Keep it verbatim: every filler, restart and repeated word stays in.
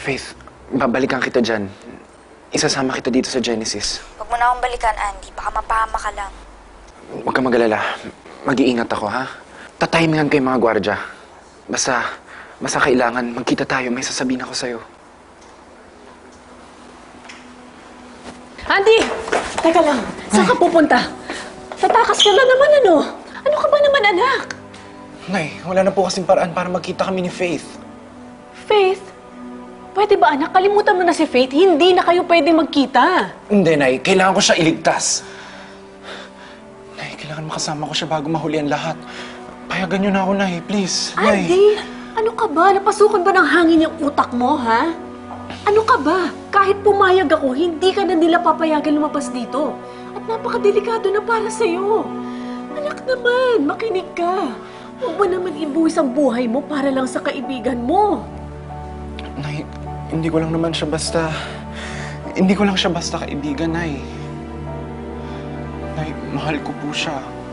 Faith, babalikan kita dyan. Isasama kita dito sa Genesis. Huwag mo na akong balikan, Andy. Baka mapahama ka lang. Huwag kang mag-alala. Mag-iingat ako, ha? Tatimingan ko yung mga gwardya. Basta, basta kailangan magkita tayo. May sasabihin ako sa'yo. Andy! Teka lang, saan ka pupunta? Tatakas ka na naman, ano? Ano ka ba naman, anak? Nay, wala na po kasing paraan para magkita kami ni Faith. Faith? Pwede ba, anak? Kalimutan mo na si Faith. Hindi na kayo pwede magkita. Hindi, Nay. Kailangan ko siya iligtas. Nay, kailangan makasama ko siya bago mahuli ang lahat. Payagan niyo na ako, Nay. Please, Nay. Andy, ano ka ba? Napasukan ba ng hangin yung utak mo, ha? Ano ka ba? Kahit pumayag ako, hindi ka na nila papayagan lumabas dito. At napakadelikado na para sa'yo. Anak naman, makinig ka. Huwag mo naman ibuwis ang buhay mo para lang sa kaibigan mo. Nay, hindi ko lang naman siya basta... Hindi ko lang siya basta kaibigan, Nay. Nay, mahal ko po siya.